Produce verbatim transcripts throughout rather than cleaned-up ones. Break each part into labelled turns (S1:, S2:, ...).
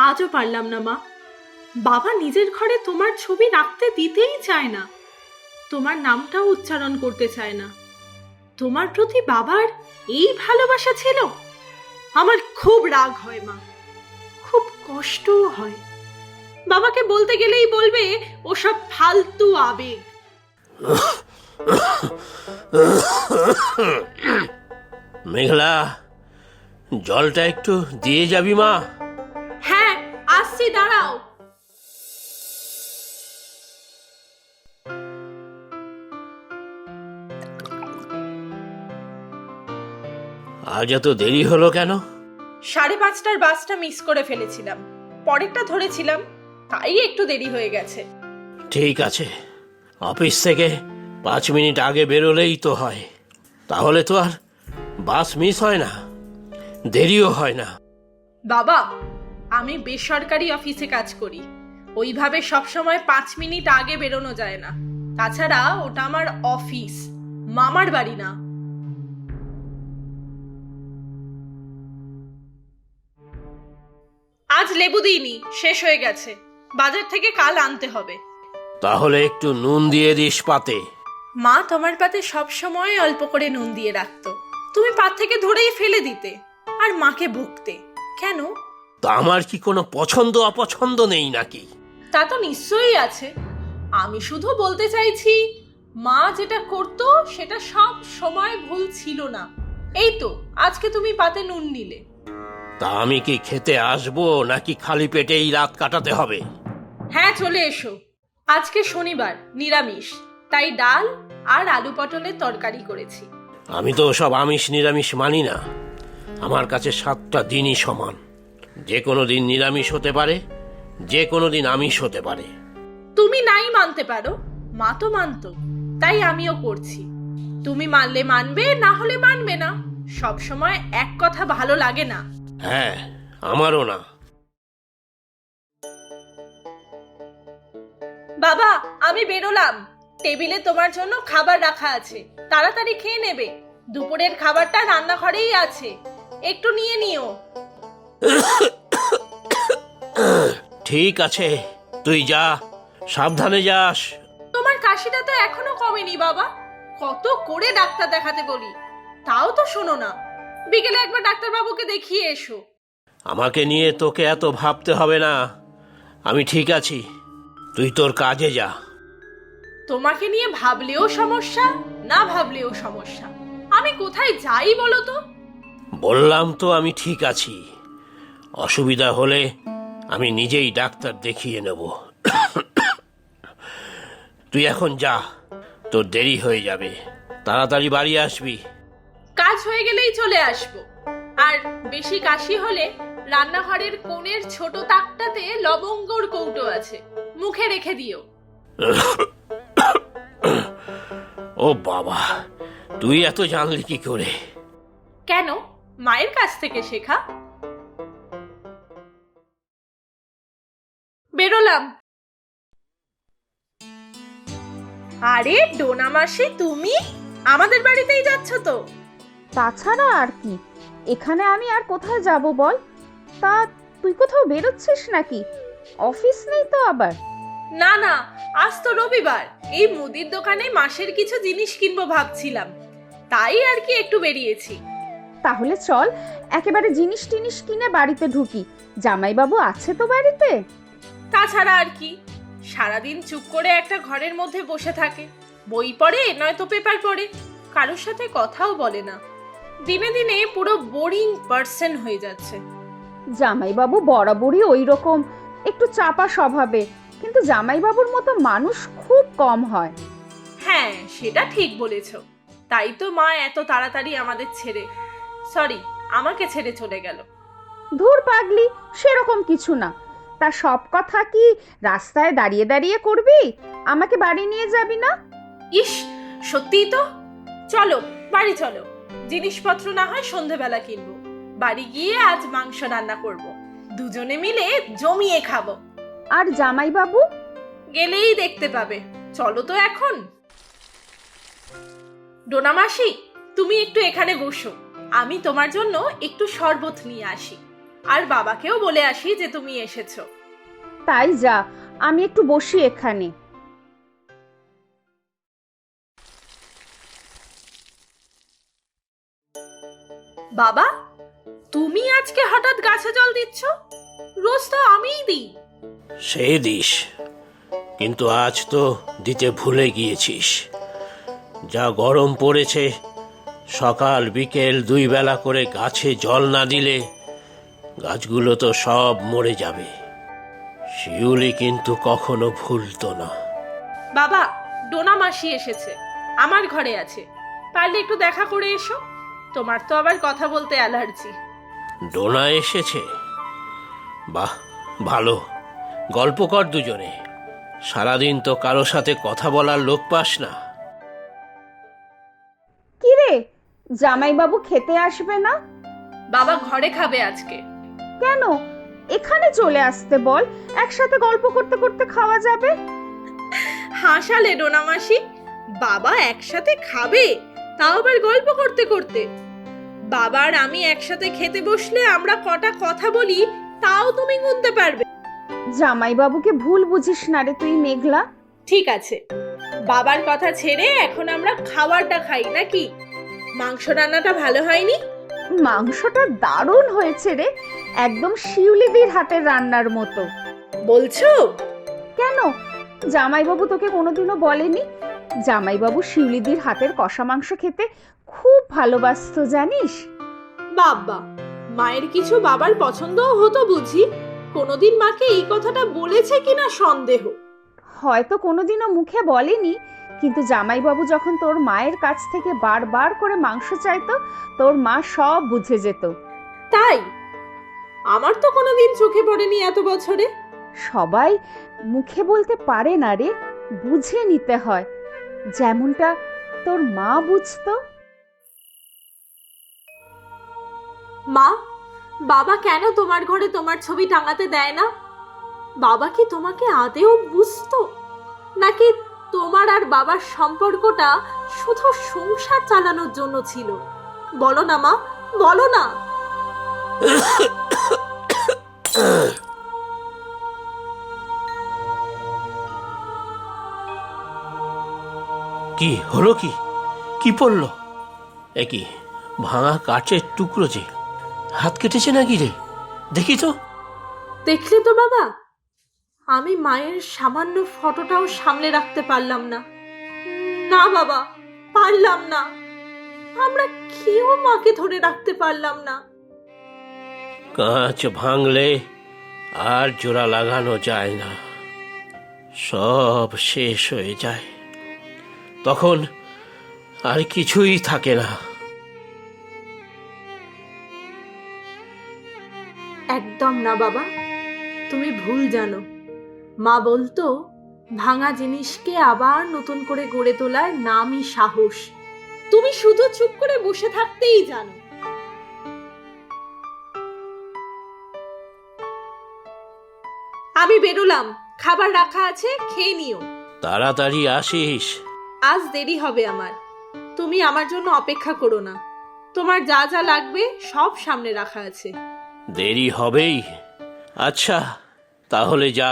S1: আজও পারলাম না মা। বাবা নিজের ঘরে তোমার ছবি রাখতে দিতেই চায় না, তোমার নামটাও উচ্চারণ করতে চায় না। তোমার প্রতি বাবার এই ভালোবাসা ছিল? আমার খুব রাগ হয় মা, খুব কষ্টও হয়। বাবাকে বলতে গেলেই বলবে ওসব ফালতু আবেগ।
S2: মেঘলা, জলটা একটু দিয়ে যাবি মা?
S1: হ্যাঁ আসছি, দাঁড়াও।
S2: আজ এত দেরি হলো কেন?
S1: সাড়ে পাঁচটার বাসটা মিস করে ফেলেছিলাম, পরেরটা ধরেছিলাম, তাই একটু দেরি হয়ে গেছে।
S2: ঠিক আছে, অফিস থেকে পাঁচ মিনিট আগে বেরোলেই তো হয়, তাহলে তো আর বাস মিস হয় না, দেরিও হয় না।
S1: বাবা, আমি বেসরকারি অফিসে কাজ করি, ওইভাবে সবসময় পাঁচ মিনিট আগে বেরোনো যায় না। তাছাড়া ওটা আমার অফিস, মামার বাড়ি না। আজ লেবু দিইনি, শেষ হয়ে গেছে, বাজার থেকে কাল আনতে হবে।
S2: তাহলে একটু নুন দিয়ে দিস পাতে।
S1: মা তোমার পাতে সবসময় অল্প করে নুন দিয়ে রাখতো, তুমি পাত থেকে ধরেই ফেলে দিতে আর মাকে বকতে। কেন?
S2: তা আমার কি কোনো পছন্দ অপছন্দ নেই নাকি?
S1: তা তো নিশ্চয়ই আছে, আমি শুধু বলতে চাইছি মা যেটা করতো সেটা সব সময় ভুল ছিল না। এই তো আজকে তুমি পাতে নুন নিলে।
S2: তা আমি কি খেতে আসবো নাকি খালি পেটেই রাত কাটাতে হবে?
S1: হ্যাঁ চলে এসো, আজকে শনিবার, নিরামিষ, তাই ডাল আর আলু পটলের তরকারি করেছি।
S2: আমি তো সব আমিষ নিরামিষ মানি না, আমার কাছে সাতটা দিনই সমান। যে কোনো দিন নিরামিষ হতে পারে, যে কোনো দিন আমিষ হতে পারে।
S1: তুমি নাই মানতে পারো, মা তো মানতো, তাই আমিও করছি। তুমি মানলে মানবে, না হলে মানবে না। সব সময় এক কথা ভালো লাগে না।
S2: হ্যাঁ, আমারও না।
S1: বাবা, আমি বেরোলাম, টেবিলে তোমার জন্য খাবার রাখা আছে, তাড়াতাড়ি খেয়ে নেবে। দুপুরের খাবারটা রান্নাঘরেই আছে, একটু নিয়ে নিও।
S2: ঠিক আছে, তুই যা, সাবধানে যাস।
S1: তোমার কাশিটা তো এখনো কমেনি বাবা, কত করে ডাক্তার দেখাতে বলি, তাও তো শোনো না। বিকেলে একবার ডাক্তারবাবুকে দেখিয়ে এসো।
S2: আমাকে নিয়ে তোকে এত ভাবতে হবে না, আমি ঠিক আছি, তুই তোর কাজে যা।
S1: তোমাকে নিয়ে ভাবলেও সমস্যা, না ভাবলেও সমস্যা, আমি কোথায় যাই বলো তো?
S2: বললাম তো আমি ঠিক আছি, অসুবিধা হলে আমি নিজেই ডাক্তার দেখিয়ে নেব। তুই এখন যা, তোর দেরি হয়ে যাবে, তাড়াতাড়ি বাড়ি আসবি।
S1: কাজ হয়ে গেলেই চলে আসবো। আর বেশি কাশি হলে রান্নাঘরের কোণের ছোট তাকটাতে লবঙ্গর কৌটো আছে, মুখে রেখে দিও।
S2: ও বাবা, তুই এত জানলি কি করে?
S1: কেন, মায়ের কাছ থেকে শেখা। বেরোলাম। আরে ডোনা মাসি, তুমি আমাদের বাড়িতেই যাচ্ছ তো?
S3: তাছাড়া আর কি, এখানে আমি আর কোথায় যাব বল? তা তুই কোথাও বেরোচ্ছিস নাকি? অফিস নেই তো আবার?
S1: না না, আজ তো রবিবার, এই মুদির দোকানে মাসের কিছু জিনিস কিনবো ভাবছিলাম, তাই আর কি একটু বেরিয়েছি।
S3: তাহলে চল একেবারে জিনিস টিনিস কিনে বাড়িতে ঢুকি, জামাইবাবু আছে তো বাড়িতে।
S1: তাছাড়া আর কি, সারাদিন চুপ করে একটা ঘরের মধ্যে বসে থাকে, বই পড়ে নয়তো পেপার পড়ে, কারোর সাথে কথাও বলে না। দিনে দিনে পুরো বোরিং পার্সন হয়ে যাচ্ছে।
S3: জামাইবাবু বরাবরই ওই রকম, একটু চাপা স্বভাবে, কিন্তু জামাইবাবুর মতো মানুষ খুব কম হয়।
S1: হ্যাঁ সেটা ঠিক বলেছ, তাই তো মা এত তাড়াতাড়ি আমাদের ছেড়ে, সরি আমাকে ছেড়ে চলে গেল।
S3: ধুর পাগলি, সেরকম কিছু না। তা সব কথা কি রাস্তায় দাঁড়িয়ে দাঁড়িয়ে করবি? আমাকে বাড়ি নিয়ে যাবি না?
S1: ইস, সত্যিই তো। চলো বাড়ি চলো, জিনিসপত্র না হয় সন্ধেবেলা কিনবো, বাড়ি গিয়ে আজ মাংস রান্না করব, দুজনে মিলে জমিয়ে খাবো।
S3: আর জামাইবাবু?
S1: গেলেই দেখতে পাবে, চলো তো এখন। ডোনা মাসি, তুমি একটু এখানে বসো, আমি তোমার জন্য একটু শরবত নিয়ে আসি। আর বাবাকেও বলে আসি যে তুমি এসেছো।
S3: তাই যা, আমি একটু বসি এখানে।
S1: বাবা, তুমি আজকে হঠাৎ গাছে জল দিচ্ছ? রোজ তো আমিই দিই।
S2: সে দিস, কিন্তু আজ তো দিতে ভুলে গিয়েছিস। যা গরম পড়েছে, সকাল বিকেল দুই বেলা করে গাছে জল না দিলে গাছগুলো তো সব মরে যাবে। শিউলি কিন্তু কখনো ভুলতো না।
S1: বাবা, ডোনা মাসি এসেছে, আমার ঘরে আছে, পারলে একটু দেখা করে এসো। তোমার তো আবার কথা বলতে অ্যালার্জি।
S2: ডোনা এসেছে? বাহ, ভালো, গল্প কর দুজনে। সারাদিন তো কারো সাথে কথা বলার লোক পাস না।
S3: কি রে, জামাইবাবু খেতে আসবে না?
S1: বাবা ঘরে খাবে আজকে।
S3: কেন, এখানে চলে আসতে বল, একসাথে গল্প করতে করতে খাওয়া যাবে।
S1: হাসালে ডোনা মাসি, বাবা একসাথে খাবে, তাও আবার গল্প করতে করতে। বাবা আর আমি একসাথে খেতে বসলে আমরা কটা কথা বলি তাও তুমি গুনতে পারবে।
S3: জামাইবাবুকে ভুল বুঝিস না রে তুই মেঘলা।
S1: ঠিক আছে, বাবার কথা ছেড়ে এখন আমরা খাবারটা খাই নাকি? মাংস রান্নাটা ভালো হয়নি?
S3: মাংসটা দারুণ হয়েছে রে, একদম শিউলিদির হাতের রান্নার মতো।
S1: বলছো?
S3: কেন, জামাইবাবু তোকে কোনোদিনও বলেনি? জামাইবাবু শিউলিদির হাতের কষা মাংস খেতে খুব ভালোবাসতো জানিস?
S1: বাবা, মায়ের কিছু বাবার পছন্দও হতো বুঝি? কোনোদিন মাকে এই কথাটা বলেছে কিনা সন্দেহ।
S3: হয়তো কোনোদিনও মুখে বলেনি, কিন্তু জামাইবাবু যখন তোর মায়ের কাছ থেকে বারবার করে মাংস চাইতো, তোর মা সব বুঝে যেত।
S1: তাই? আমার তো কোনোদিন চোখে পড়েনি এত বছরে।
S3: সবাই মুখে বলতে পারে না রে, বুঝে নিতে হয়, যেমনটা তোর মা বুঝতো।
S1: মা, বাবা কেন তোমার ঘরে তোমার ছবি টাঙাতে দেয় না? বাবা কি তোমাকে আদেও বুঝতো, নাকি তোমার আর বাবার সম্পর্কটা শুধু সংসার চালানোর জন্য ছিল? বলো না মা, বলো না।
S2: কি হলো? কি কি পড়লো? এ কি ভাঙা কাঠের টুকরো, যে হাত কেটেছে নাকি রে? দেখি তো।
S1: দেখলে তো বাবা, আমি মায়ের সামান্য ফটোটাও সামলে রাখতে পারলাম না। না বাবা, পারলাম না। আমরা কেউ মাকে ধরে রাখতে পারলাম না।
S2: কাঁচ ভাঙলে আর জোড়া লাগানো যায় না, সব শেষ হয়ে যায়, তখন আর কিছুই থাকে না।
S1: একদম না বাবা, তুমি ভুল জানো। মা বলতো, ভাঙা জিনিসকে আবার নতুন করে গড়ে তোলার নামই সাহস। তুমি শুধু চুপ করে বসে থাকতেই জানো। আমি বেরোলাম, খাবার রাখা আছে, খেয়ে নিও।
S2: তাড়াতাড়ি আসিস।
S1: আজ দেরি হবে আমার, তুমি আমার জন্য অপেক্ষা করো না। তোমার যা যা লাগবে সব সামনে রাখা আছে।
S2: দেরি হবেই। আচ্ছা, তাহলে যা।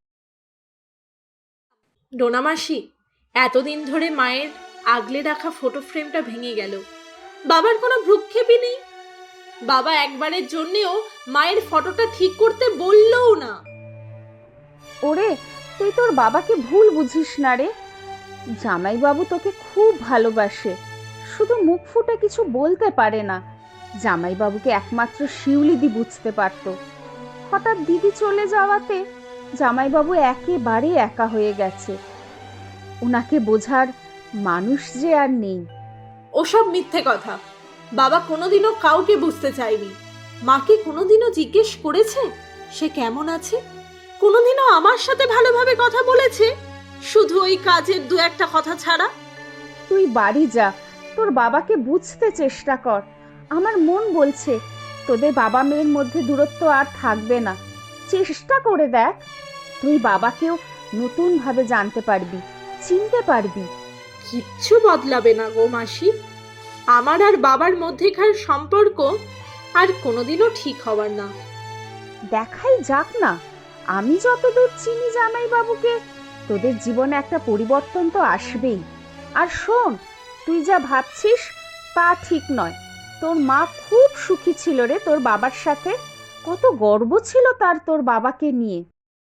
S1: ডোনা মাসি, এতদিন ধরে মায়ের আগলে রাখা ফটো ফ্রেমটা ভেঙে গেল। বাবার কোনো ভ্রুক্ষেপই নেই। বাবা একবারের জন্যেও মায়ের ফটোটা ঠিক করতে বললও না।
S3: ওরে, তুই তোর বাবাকে ভুল বুঝিস না রে। জামাইবাবু তোকে খুব ভালোবাসে, শুধু মুখ ফুটে কিছু বলতে পারে না। জামাইবাবুকে একমাত্র শিউলিদি বুঝতে পারত। হঠাৎ দিদি চলে যাওয়াতে জামাইবাবু একেবারে একা হয়ে গেছে। ওনাকে বোঝার মানুষ যে আর নেই।
S1: ওসব মিথ্যে কথা। বাবা কোনোদিনও কাউকে বুঝতে চায়নি। মাকে কোনোদিনও জিজ্ঞেস করেছে সে কেমন আছে? কোনোদিনও আমার সাথে ভালোভাবে কথা বলেছে? শুধু ওই কাজের দু একটা কথা ছাড়া।
S3: তুই বাড়ি যা, তোর বাবাকে বুঝতে চেষ্টা কর। আমার মন বলছে তোদের বাবা মেয়ের মধ্যে দূরত্ব আর থাকবে না। চেষ্টা করে দেখ, তুই বাবাকেও নতুন ভাবে জানতে পারবি, চিনতে পারবি।
S1: কিচ্ছু বদলাবে না গো মাসি। আমার আর বাবার মধ্যেকার সম্পর্ক আর কোনোদিনও ঠিক হবার না।
S3: দেখাই যাক না। আমি যতদূর চিনি জামাইবাবুকে, তোদের জীবনে একটা পরিবর্তন তো আসবেই। আর শোন, তুই যা ভাবছিস তা ঠিক নয়। তোর মা খুব সুখী ছিল রে তোর বাবার সাথে। কত গর্ব ছিল তার তোর বাবাকে নিয়ে।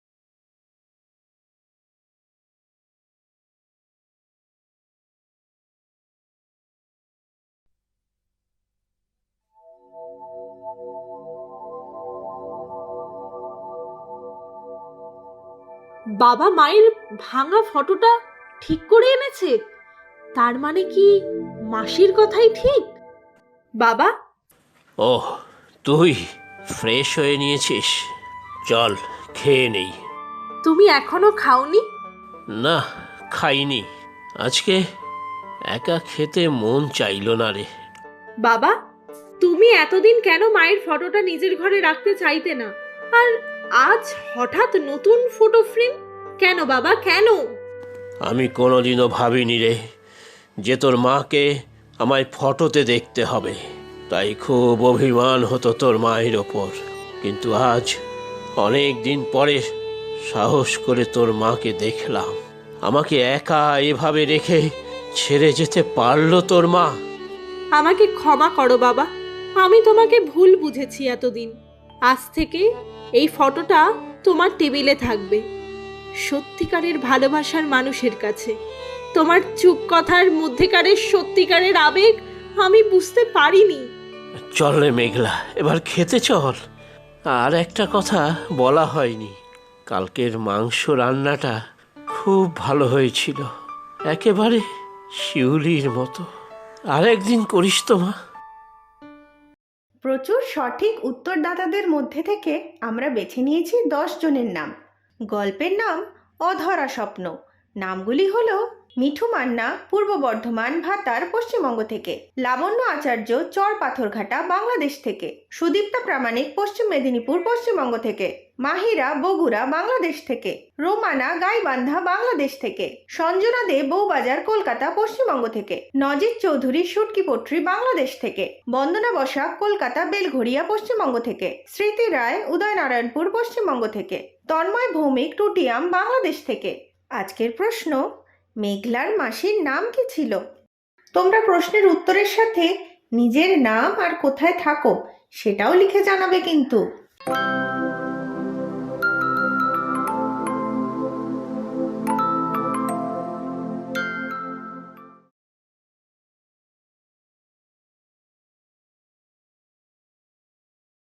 S1: বাবা মায়ের ভাঙা ফটোটা ঠিক করে এনেছে। তার মানে কি মাসির কথাই ঠিক? বাবা,
S2: ওহ, তুই ফ্রেশ হয়ে নিয়েছিস? চল খেয়ে নেই।
S1: তুমি এখনো খাওনি?
S2: না, খাইনি। আজকে একা খেতে মন চাইলো না রে।
S1: বাবা, তুমি এতদিন কেন মায়ের ফটোটা নিজের ঘরে রাখতে চাইতে না, আর আজ হঠাৎ নতুন ফটো ফ্রেম কেন বাবা, কেন?
S2: আমি কোনোদিনও ভাবিনি রে যে তোর মাকে আমায় ফটোতে দেখতে হবে। তাই খুব অভিমান হতো তোর মায়ের ওপর। কিন্তু আজ অনেক দিন পরে সাহস করে তোর মাকে দেখলাম। আমাকে একা এভাবে রেখে ছেড়ে যেতে পারলো তোর মা?
S1: আমাকে ক্ষমা করো বাবা, আমি তোমাকে ভুল বুঝেছি এতদিন। আজ থেকে এই ফটোটা তোমার টেবিলে থাকবে, সত্যিকারের ভালোবাসার মানুষের কাছে। তোমার চুপ কথার মধ্যেকারের সত্যিকারের আবেগ আমি বুঝতে পারিনি।
S2: চল রে মেঘলা, এবার খেতে চল। আর একটা কথা বলা হয়নি, কালকের মাংস রান্নাটা খুব ভালো হয়েছিল, একেবারে শিউলির মতো। আর একদিন করিস তো মা।
S4: প্রচুর সঠিক উত্তরদাতাদের মধ্যে থেকে আমরা বেছে নিয়েছি দশ জনের নাম। গল্পের নাম অধরা স্বপ্ন। নামগুলি হলো মিঠু মান্না, পূর্ব বর্ধমান ভাতার, পশ্চিমবঙ্গ থেকে; লাবণ্য আচার্য, চর পাথরঘাটা, বাংলাদেশ থেকে; সুদীপ্তা প্রামাণিক, পশ্চিম মেদিনীপুর, পশ্চিমবঙ্গ থেকে; মাহিরা, বগুড়া, বাংলাদেশ থেকে; রোমানা, গাইবান্ধা, বাংলাদেশ থেকে; সঞ্জনা দে, বউবাজার, কলকাতা, পশ্চিমবঙ্গ থেকে; নজির চৌধুরী, সুটকিপট্রি, বাংলাদেশ থেকে; বন্দনা বসাক, কলকাতা, বেলঘড়িয়া, পশ্চিমবঙ্গ থেকে; স্মৃতি রায়, উদয়নারায়ণপুর, পশ্চিমবঙ্গ থেকে; তন্ময় ভৌমিক, টুটিয়াম, বাংলাদেশ থেকে। আজকের প্রশ্ন, মেঘলার মাসির নাম কি ছিল? তোমরা প্রশ্নের উত্তরের সাথে নিজের নাম আর কোথায় থাকো সেটাও লিখে জানাবে কিন্তু।